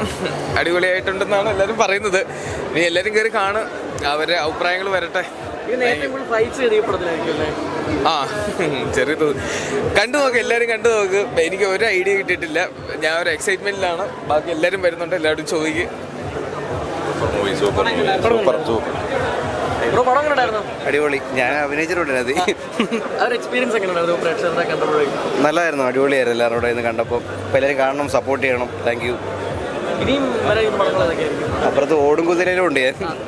അടിപൊളിയായിട്ടുണ്ടെന്നാണ് എല്ലാവരും പറയുന്നത്. ഇനി എല്ലാവരും കയറി കാണും, അവരുടെ അഭിപ്രായങ്ങൾ വരട്ടെ. ആ ചെറിയ കണ്ടു നോക്ക്, എല്ലാവരും കണ്ടു നോക്ക്. എനിക്ക് ഒരു ഐഡിയ കിട്ടിയിട്ടില്ല, ഞാൻ ഒരു എക്സൈറ്റ്മെന്റിലാണ്. ബാക്കി എല്ലാവരും വരുന്നുണ്ട്, എല്ലാവരും ചോദിക്കും. അടിപൊളി. ഞാൻ അഭിനയിച്ചിട്ടുണ്ട്. നല്ലതായിരുന്നു, അടിപൊളിയായിരുന്നു. എല്ലാവരോടും ഇന്ന് കണ്ടപ്പോൾ എല്ലാവരും കാണണം, സപ്പോർട്ട് ചെയ്യണം. Thank you. അപ്പുറത്ത് ഓടും കുതിരയിലും ഉണ്ട്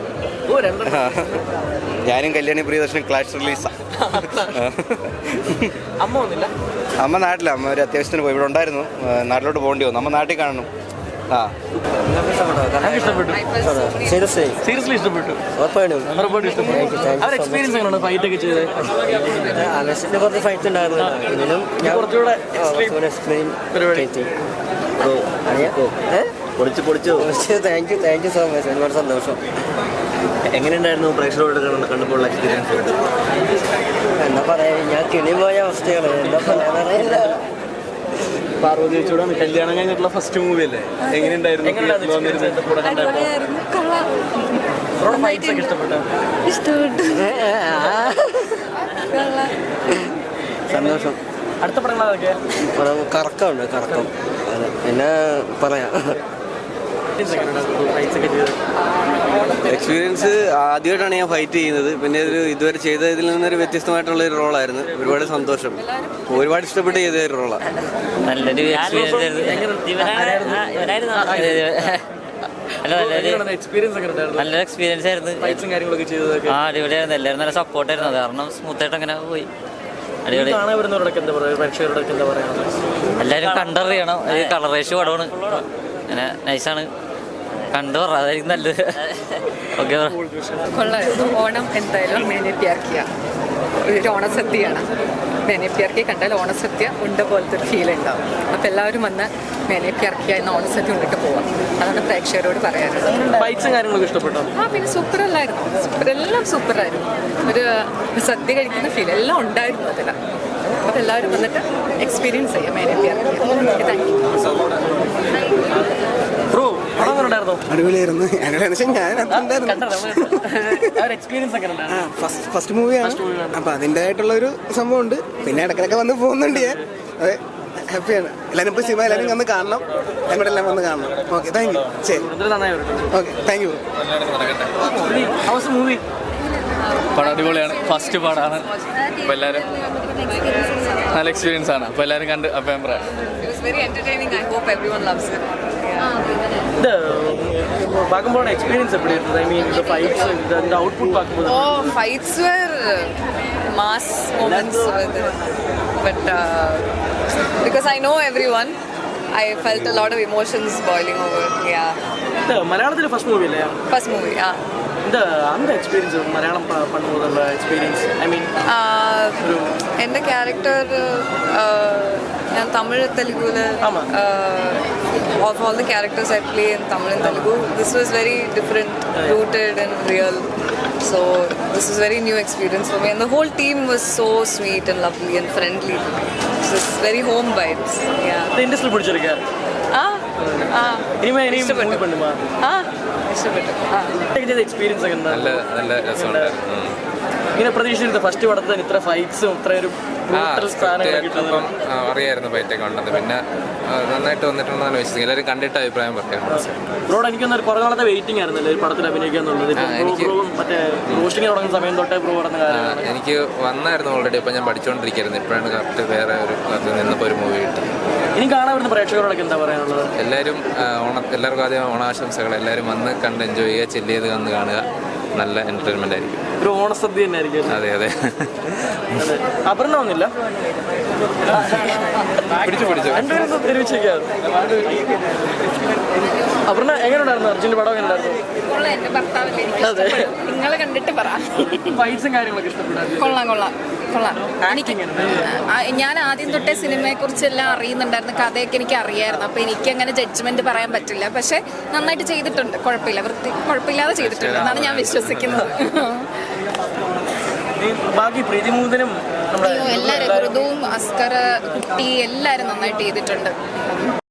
ഞാനും കല്യാണി പ്രിയദർശനും ക്ലാഷ് റിലീസാണ്. അമ്മ നാട്ടില, അമ്മ ഒരു അത്യാവശ്യത്തിന് പോയി. ഇവിടെ ഉണ്ടായിരുന്നു, നാട്ടിലോട്ട് പോകേണ്ടി വന്നു. അമ്മ നാട്ടിൽ കാണണം. Thank you so much. ഒരുപാട് സന്തോഷം. എങ്ങനെയുണ്ടായിരുന്നു പ്രേക്ഷകരോട് കണ്ടപ്പോൾ എക്സ്പീരിയൻസ്? എന്താ പറയാ, ഞാൻ കിളി പോയ അവസ്ഥയാണ്. എന്താ പറയാറിയില്ല. പാർവതി ചേച്ചിയോടാണ് കല്യാണം കഴിഞ്ഞിട്ടുള്ള ഫസ്റ്റ് മൂവി അല്ലേ? എങ്ങനെയുണ്ടായിരുന്നു? സന്തോഷം. അടുത്ത പടങ്ങളൊക്കെ കറക്കമുണ്ട്, കറക്കം. പിന്നെ പറയാം. എക്സ്പീരിയൻസ് ആദ്യമായിട്ടാണ് ഞാൻ ഫൈറ്റ് ചെയ്യുന്നത്. പിന്നെ ഇതുവരെ ചെയ്തതിൽ നിന്നൊരു വ്യത്യസ്തമായിട്ടുള്ള ഒരു റോളായിരുന്നു. ഒരുപാട് സന്തോഷം, ഒരുപാട് ഇഷ്ടപ്പെട്ട് ചെയ്ത ഒരു റോളാണ്. നല്ലൊരു നല്ലൊരു എക്സ്പീരിയൻസ് ആയിരുന്നു. അടിപൊളിയായിരുന്നു. എല്ലാവരും നല്ല സപ്പോർട്ടായിരുന്നു. അത് കാരണം സ്മൂത്തായിട്ട് അങ്ങനെ പോയി. അടിപൊളി. എല്ലാവരും കണ്ടറിയണം. ഒരു കളറേഷ് പടമാണ്, അങ്ങനെ നൈസാണ്. കണ്ടു പറ, അതായിരിക്കും നല്ലത്. ഓക്കെ, കൊള്ളായിരുന്നു. ഓണം എന്തായാലും മേനേപ്പിയാക്കിയ ഒരു ഓണസദ്യയാണ്. മേനേപ്പിയാർക്കി കണ്ടാൽ ഓണസദ്യ ഉണ്ട പോലത്തെ ഒരു ഫീൽ ഉണ്ടാവും. അപ്പം എല്ലാവരും വന്ന് മേനേപ്പിയാർക്കിയ എന്ന ഓണസദ്യ ഉണ്ടിട്ട് പോവാം. അതാണ് പ്രേക്ഷകരോട് പറയാനുള്ളത്. ആ പിന്നെ സൂപ്പറല്ലായിരുന്നു, എല്ലാം സൂപ്പറായിരുന്നു. ഒരു സദ്യ കഴിക്കുന്ന ഫീൽ എല്ലാം ഉണ്ടായിരുന്നു അതിൽ. അപ്പം എല്ലാവരും വന്നിട്ട് എക്സ്പീരിയൻസ് ചെയ്യാം മേനേപ്പിയാർക്കി. Thank you. അടിപൊളിയായിരുന്നു. ഫസ്റ്റ് മൂവിയാണ്, അപ്പൊ അതിൻ്റെതായിട്ടുള്ള ഒരു സംഭവം ഉണ്ട്. പിന്നെ ഇടക്കിടക്ക് വന്ന് പോകുന്നുണ്ട് ഞാൻ. അതെ, ഹാപ്പിയാണ്. എല്ലാവരും ഇപ്പോൾ സിനിമ എല്ലാവരും വന്ന് കാണണം, ഞങ്ങളുടെ എല്ലാം വന്ന് കാണണം. Okay, thank you. ശരി, ഓക്കെ, താങ്ക് യു. പടം അടിപൊളിയാണ്, ഫസ്റ്റ് പടമാണ്. അപ്പോൾ എല്ലാവരും നല്ല എക്സ്പീരിയൻസ് ആണ്. അപ്പോൾ എല്ലാവരും കണ്ട് അഭിപ്രായം. Fights were mass moments with it. But because I know everyone, I felt a lot of emotions boiling over. Yeah. മലയാളത്തിലെ ഫസ്റ്റ് മൂവി അല്ലേ? First movie, yeah. அந்த எக்ஸ்பீரியன்ஸ் மலையாளம் பண்ணும்போதுள்ள எக்ஸ்பீரியன்ஸ், ஐ மீൻ എൻ്റെ ക്യാരക്ടർ ഞാൻ Tamil തെലുഗുല് of all the characters I play in Tamil and Telugu, this was very different, rooted and real. So this was very new experience for me, and the whole team was so sweet and lovely and friendly. So it's very home vibes. Yeah. The industry പിടിച്ചിരിക്കാ. ഇഷ്ടപ്പെട്ടു. Experience ഒക്കെ നല്ല രസമുണ്ട്. ഇങ്ങനെ പ്രതീക്ഷിച്ചിരുന്നു first പടത്തിന് ഇത്ര ഫൈറ്റ്സും ഇത്ര ഒരു അപ്പം അറിയായിരുന്നു ഫൈറ്റൊക്കെ ഉണ്ടെന്ന്. പിന്നെ നന്നായിട്ട് വന്നിട്ടുണ്ടെന്നാണ് വിശ്വസിക്കുന്നത്. എല്ലാവരും കണ്ടിട്ട് അഭിപ്രായം പറയാം. ബ്രോഡ് എനിക്കൊന്നൊരു കുറേ നാളത്തെ വെയിറ്റിംഗ് ആയിരുന്നല്ലേ ഒരു പടത്തിൽ അഭിനയിക്കാന്നുള്ളത്. മറ്റേ റോസ്റ്റിംഗ് തുടങ്ങുന്ന സമയം തൊട്ടേ ബ്രോ പറഞ്ഞ കാര്യം എനിക്ക് വന്നായിരുന്നു ഓൾറെഡി. അപ്പം ഞാൻ പഠിച്ചുകൊണ്ടിരിക്കുകയായിരുന്നു. ഇപ്പോഴാണ് കറക്റ്റ് വേറെ ഒരു ക്ലാസ്സിൽ നിന്നപ്പോൾ ഒരു മൂവി കിട്ടി. ഇനി കാണാൻ വരുന്ന പ്രേക്ഷകരോടൊക്കെ എന്താ പറയാനുള്ളത്? എല്ലാവരും എല്ലാവർക്കും ആദ്യം ഓണാശംസകൾ. എല്ലാവരും വന്ന് കണ്ട് എൻജോയ് ചെയ്യുക, ചില്ല് ചെയ്ത് വന്ന് കാണുക. നല്ല എൻ്റർടൈൻമെൻ്റ് ആയിരിക്കും. ഒരു ഓണസദ്യ തന്നെ ആയിരിക്കും. അതെ അതെ. അപർണ ഒന്നുമില്ല, അപർണ എങ്ങനെയുണ്ടായിരുന്നു? അർജുൻ്റെ പടം എങ്ങനെയുണ്ടായിരുന്നു? നിങ്ങൾ കണ്ടിട്ട് പറ. ഫൈറ്റ്സും കാര്യങ്ങളൊക്കെ ഇഷ്ടപ്പെട്ടു? കൊള്ളാം. ഞാൻ ആദ്യം തൊട്ടേ സിനിമയെക്കുറിച്ചെല്ലാം അറിയുന്നുണ്ടായിരുന്നു, കഥയൊക്കെ എനിക്ക് അറിയായിരുന്നു. അപ്പോൾ എനിക്ക് അങ്ങനെ ജഡ്ജ്മെന്റ് പറയാൻ പറ്റില്ല. പക്ഷെ നന്നായിട്ട് ചെയ്തിട്ടുണ്ട്, കുഴപ്പമില്ലാതെ ചെയ്തിട്ടുണ്ട് എന്നാണ് ഞാൻ വിശ്വസിക്കുന്നത്. ബാക്കി പ്രീതിമൂതനും എല്ലാവരും, ഋതുവും അസ്കർ, കുട്ടി എല്ലാവരും നന്നായിട്ട് ചെയ്തിട്ടുണ്ട്.